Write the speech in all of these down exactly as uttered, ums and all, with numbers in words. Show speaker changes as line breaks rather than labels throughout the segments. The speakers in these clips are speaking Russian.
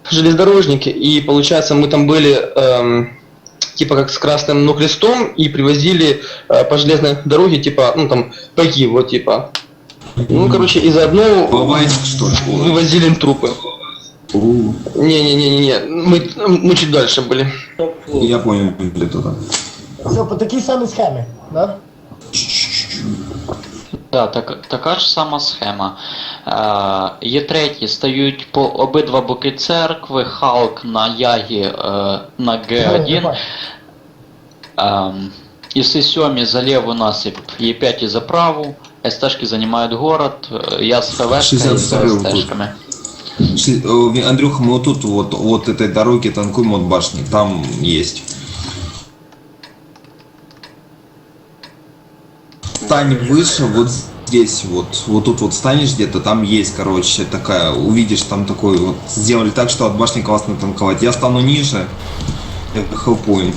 железнодорожники, и получается мы там были эм, типа как с красным ну, крестом и привозили э, по железной дороге типа ну там пайки вот типа. Ну короче и заодно
Бавайск, что ли?
вывозили им трупы. Не-не-не-не, мы, мы чуть дальше были.
Я понял, где туда.
Все, по такій самій схемі, да?
Да, так, така ж сама схема. Е, є треті, стають по обидва боки церкви, Халк на Ягі е, на Г один. Е, і сьомі за леву насип, Е п'ять за праву, СТшки занимают город, я с ХВшкой и с СТшками.
Андрюха, мы вот тут вот, вот этой дороги танкуем от башни, там есть. Стань выше, вот здесь, вот, вот тут вот станешь где-то, там есть, короче, такая, увидишь, там такой вот, сделали так, что от башни классно танковать. Я стану ниже, хелпуем.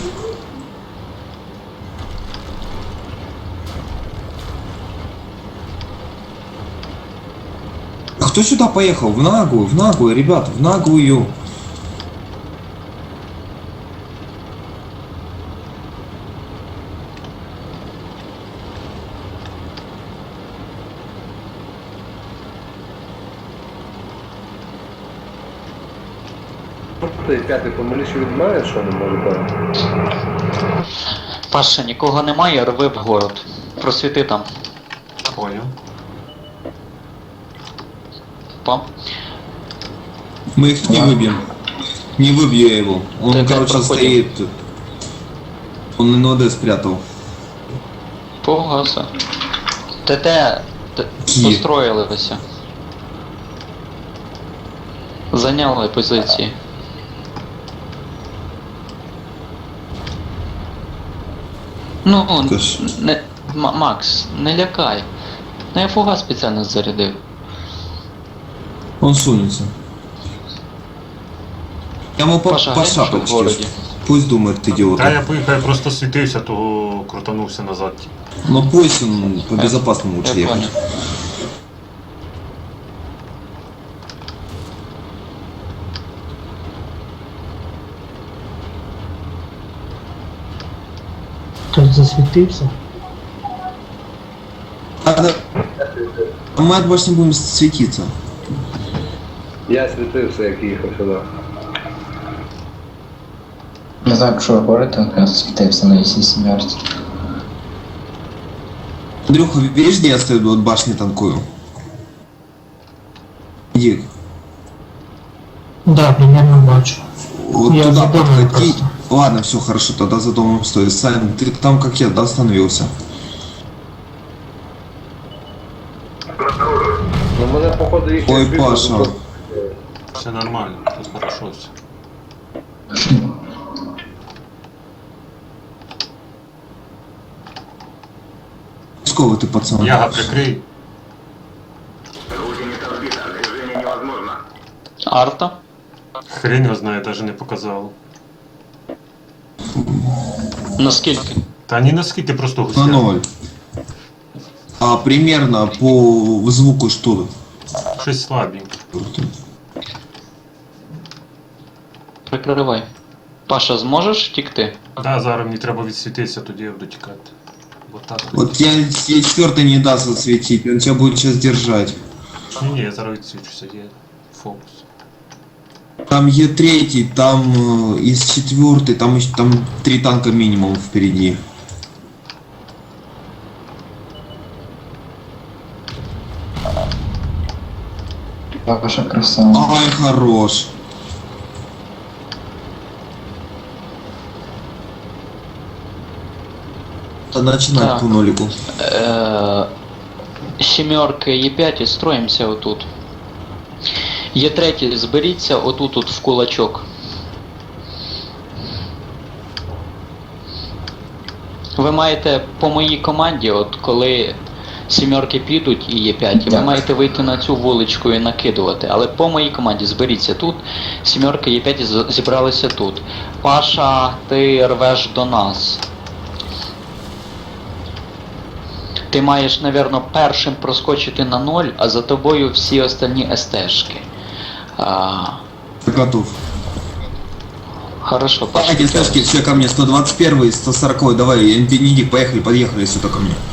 А кто сюда поехал? В наглую, в наглую, ребята, в наглую.
Ти п'ятий помиліше від мене, що не може бути?
Паша, нікого немає, рви в город. Просвіти там.
Понял.
По.
Мы их не выбьем. Не выбью я его. Он,
Так,
короче,
проходим.
стоит. Он НОД спрятал.
Погаса. ТТ т-
Є.
построїлися. Зайняли позиції. Ну,
Та ж.
не, М- Макс, не лякай. Ну я фугас спеціально зарядив.
Он сунется. Я ему по,
Паша,
по
глянь, що в
шапочке.
городі.
Пусть думает, идиот.
Та я поїхав, я просто світився, того крутанувся назад.
Но пусть он по
Э,
безопасному лучше
Я
ехать.
понял.
Хтось засвітився.
А, да. А мы от башни будем светиться.
Я світився, як їхав сюди.
Не знаю, якщо ви говорите, я світився на ісі сімерці.
Андрюха, видишь, где я стою от башни танкую? Иди.
Да, примерно бачу.
Вот
Я
туда
за домом
подходи.
просто.
Ладно, все хорошо, тогда за домом стой. Сань, ты там как я, да, остановился?
Ну мене походу їх
Ой, Паша.
Все нормально, тут хорошо все.
Сколько ты, пацан?
Яга, прикрий.
Арта?
Хрень його знає, навіть не показав.
Наскільки?
Та ні наскільки, просто
На
гуся.
ноль. А примерно по звуку что?
Щось слабенько.
Прикривай. Паша, зможеш втікти?
Да, зараз мені треба відсвітитися, тоді я буду тікати. Бо так.
Вот я, я четвертый не даст отсветить, он тебя будет сейчас держать.
Ні, ні, я зараз відсвічуся, є фокус.
Там Е третий, там э, из четвертой, там еще там три танка минимум впереди.
Ваша красава.
Ай, хорош. Да начинать
Так.
по нолику.
Е, Сімерки Е п'ять і строїмося отут. Є третій, зберіться отут от в кулачок. Ви маєте по моїй команді, от коли сімерки підуть і Є п'ять, ви
Так.
маєте вийти на цю вуличку і накидувати. Але по моїй команді зберіться тут, сімерки Є п'ять з- зібралися тут. Паша, ти рвеш до нас. Ти маєш, напевно, першим проскочити на ноль, а за тобою всі остальні естешки. А,
Готов.
Хорошо, Паша.
Давайте, Сашки, все ко мне, сто двадцать один, сто сорок, давай, Нидик, поехали, подъехали сюда ко мне.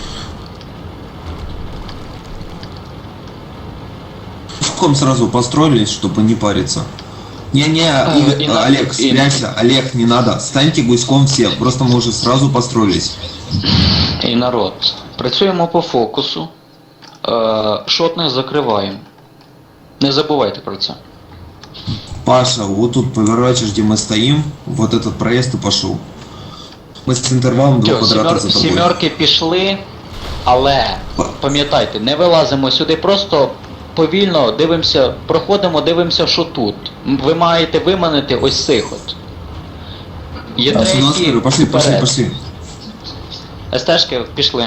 Ком сразу построились, чтобы не париться. Не-не, Игорь,
и на-
Олег,
и-
спрячься, Олег, не надо, станьте гуськом все, просто мы уже сразу построились.
І народ. Працюємо по фокусу. Е, шотних закриваємо. Не забувайте про це.
Паша, вот тут поворачиваешь, где мы стоим, вот этот проезд и пошел. Мы с интервалом два
Всьо,
квадрата
сімер-
за тобой.
сімерки пішли, але пам'ятайте, не вилазимо сюди, просто повільно дивимося, проходимо, дивимося, що тут. М, Ви маєте виманити ось цих от. Є
А, сюда
треті,
скорее, пошли, пошли,
вперед.
пошли.
естешки пішли.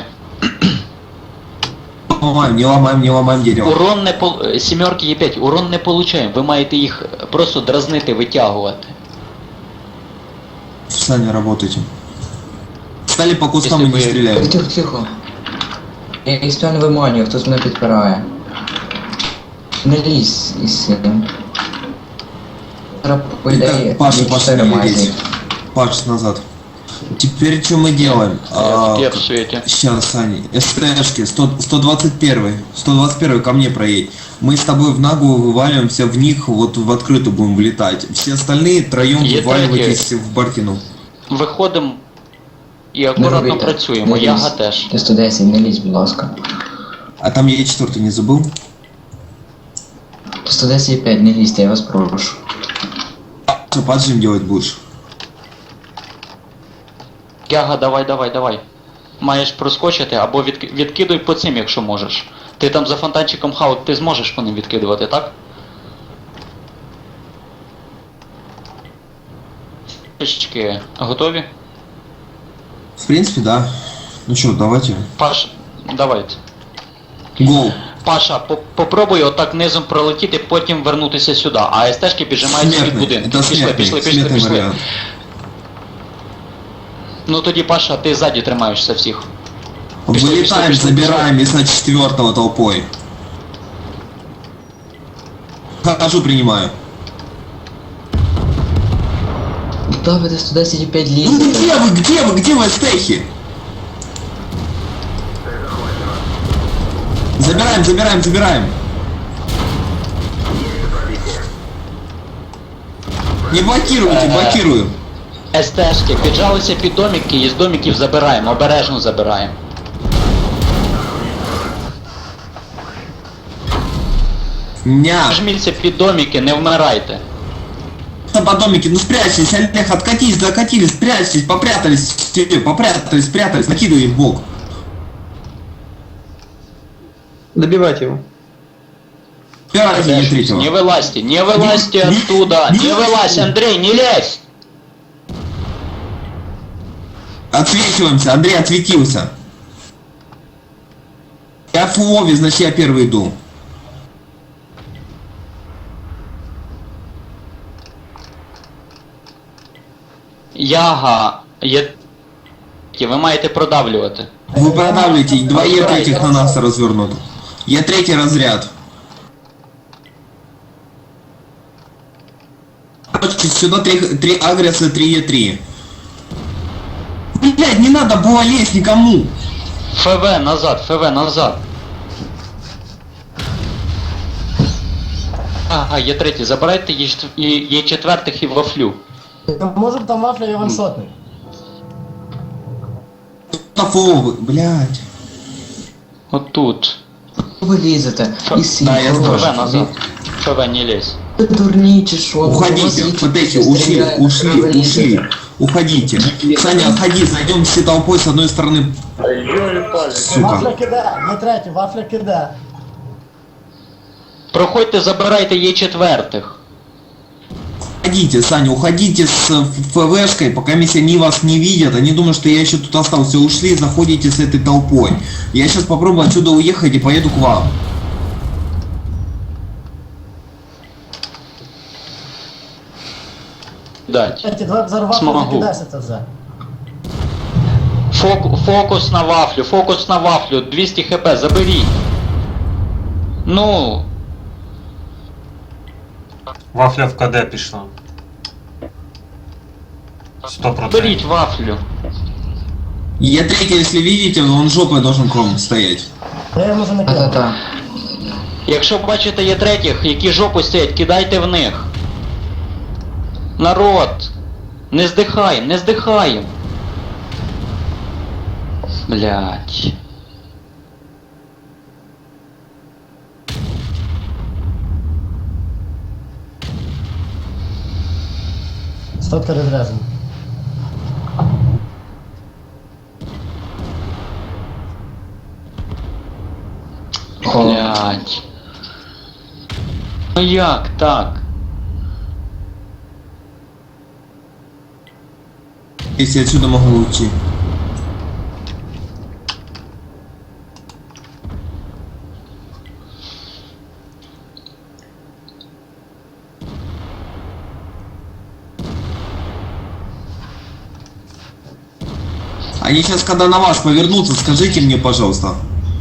Не ломаем, не ломаем, не ломаем дерево.
Урон не пол... е, сімерки є п'ять, урон не получаємо, ви маєте їх просто дразнити, витягувати.
Сами работайте. Стали по кустам
Если
и не
вы-
стреляем.
Тихо, тихо. Я і не виманюю, хтось мене підпирає. Не лізь із цим. Зараз, по ідеї,
Итак, Паша,
є
Паша,
чотири
не
майже.
лезь. Паш, назад. Теперь что мы делаем? А,
Я в світі.
сейчас, Саня, СТшки, сто, сто двадцать один, сто двадцать один ко мне проедь. Мы с тобой в наглую вываливаемся в них, вот в открытую будем влетать. Все остальные троем
Є
вываливайтесь в Бартину.
Виходимо і
Не
акуратно
робіть,
працюємо.
не лізь.
Яга теж.
Ти сто десять, не лізь, будь ласка.
А там я четвертый не забыл?
сто десять п'ять, не лізьте, я вас прошу.
Что поджим делать будешь?
Яга, давай, давай, давай. Маєш проскочити або від... відкидуй по цим, якщо можеш. Ти там за фонтанчиком хаут, ти зможеш по ним відкидувати, так? Трішечки готові?
В принципе, да. Ну что, давайте.
Паш, давайте.
Гол.
Паша, по попробуй отак низом пролетіти, потім вернутися сюди. А СТшки піджимаються від
Смертный.
будинку.
Это
Пішли,
смертный.
пішли, пішли,
Смертный
пішли.
вариант.
Ну тоді, Паша, ти ззаді тримаєшся всіх. Пішли,
Вылетаем,
пішли, пішли,
забираем и на четвертого толпой. Хожу, принимаю.
Да, ви сто десять п'ять
Ну
лізете.
где вы, где вы, где вы, стехи? Забираем, забираем, забираем. Не блокируйте,
Э.
блокирую.
СТшки піджалися під домики і з домиків забираємо, обережно забираємо.
Ня.
Жміться під домики, не вмирайте.
По домике, ну спрячьтесь, Олег, откатись, докатились, спрячьтесь, попрятались, все, попрятались, спрятались, накидывай в бок.
Добивайте его.
Пирайте не третьего.
Не вылазьте, не вылазьте
Не-
оттуда,
не-
не вылазь, Андрей, не лезь!
Отсвечиваемся, Андрей отсветился. Я в Вове, значит я первый иду.
Яга, є... ви маєте продавлювати.
Вы продавливаете, два Е третьих на нас развернут. Я третий разряд. Короче, сюда три, три агресса, три Е три. Блять, не надо было лезть никому.
ФВ назад, ФВ назад. Ага, є третій, забирайте є, чет- є, є четвертих і вафлю.
Можем там вафля і ваншотний.
Тафовы, блять.
Отут.
Ви лізете.
Ф-
І сім,
Да, я
хорош.
знаю.
ФВ назад. ФВ не лезь.
Ви дурні чи що? У вас
Уходите,
є
вот эти,
чотири
ушли,
стріляють,
ушли,
ви лізете.
ушли. Уходите. Саня, отходи, зайдем все толпой с одной стороны. Сука.
Вафля киде, є третій, вафля киде.
Проходьте, забирайте є четвертих.
Уходите, Саня, уходите с ФВшкой, пока если они вас не видят, они думают, что я еще тут остался. Ушли, заходите с этой толпой. Я сейчас попробую отсюда уехать и поеду к вам.
Дать.
Третій, давай зараз вафля
Смогу.
закидайся це вже.
Фок, фокус на вафлю, фокус на вафлю, двісті хп, заберіть. Ну.
Вафля в КД пішла. Сто
Беріть
процентів.
вафлю.
Е три, если видите, он жопой должен кром стоять.
Я йому вже накидав.
Та-та-та.
Якщо бачите є третіх, які жопу стоять, кидайте в них. Народ! Не здихаєм, не здихаєм. Блять.
Стотка розряжена.
О,
Блять. Ну як так?
Если отсюда могу уйти. Они сейчас, когда на вас повернутся, скажите мне, пожалуйста.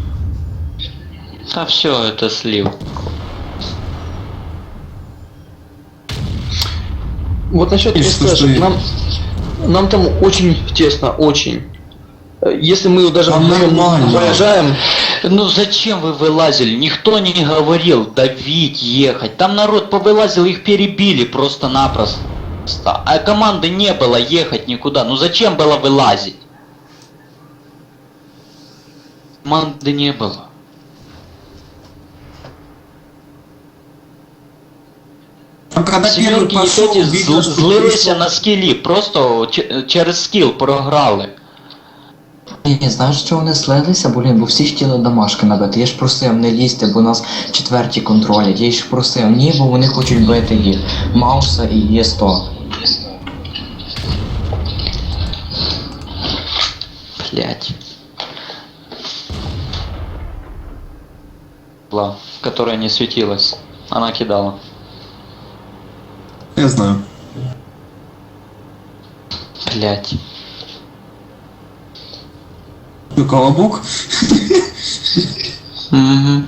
Та все, это слив.
Вот насчет
И что,
СТ,
что
нам, нам там очень тесно, очень. Э, Если мы даже
Там
вдвоем
нормально.
проезжаем,
Ну зачем вы вылазили? Никто не говорил давить, ехать. Там народ повылазил, их перебили просто-напросто. А команды не было ехать никуда. Ну зачем было вылазить? Команды не было.
Там, когда первый
Семерки і
пошел,
тоді
видно,
зл-
что
злилися
пришел-
на скілі, просто ч- через скіл програли.
Ні, знаєш, що вони слилися, блін, бо всі хотіли домашки набити. Я ж просив не лізти, бо нас четверті контролять. Я ж просив, ні, бо вони хочуть бити їх. Мауса і Є сто.
Блять. Была, которая не светилась. Она кидала.
Я знаю.
Блять.
Что, колобок?
Угу.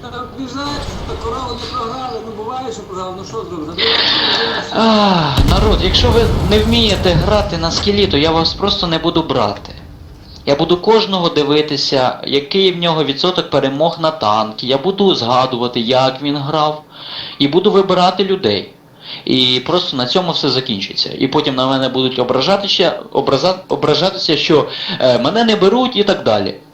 А, народ, якщо ви не вмієте грати на скілі, то я вас просто не буду брати. Я буду кожного дивитися, який в нього відсоток перемог на танки. Я буду згадувати, як він грав. І буду вибирати людей. І просто на цьому все закінчиться. І потім на мене будуть ображатися, образа, ображатися, що е, мене не беруть і так далі.